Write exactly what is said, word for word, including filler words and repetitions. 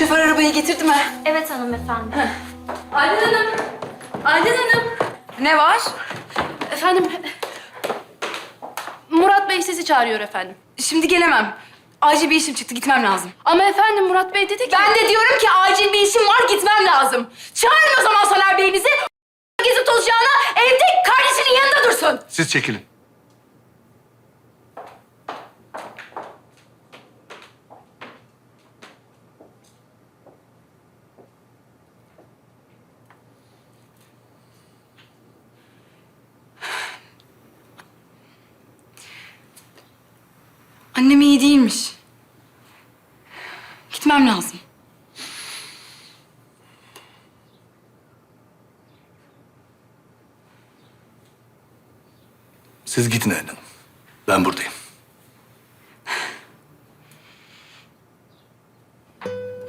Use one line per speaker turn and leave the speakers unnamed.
Şoför arabayı getirdi mi?
Evet hanımefendi.
Aylin Hanım. Aylin Hanım.
Ne var?
Efendim. Murat Bey sizi çağırıyor efendim.
Şimdi gelemem. Acil bir işim çıktı, gitmem lazım.
Ama efendim Murat Bey dedi ki...
Ben de diyorum ki acil bir işim var, gitmem lazım. Çağırın o zaman Soner Bey'inizi. Gezip tozacağına evde kardeşinin yanında dursun.
Siz çekilin.
Annem iyi değilmiş. Gitmem lazım.
Siz gidin Aylin Hanım. Ben buradayım.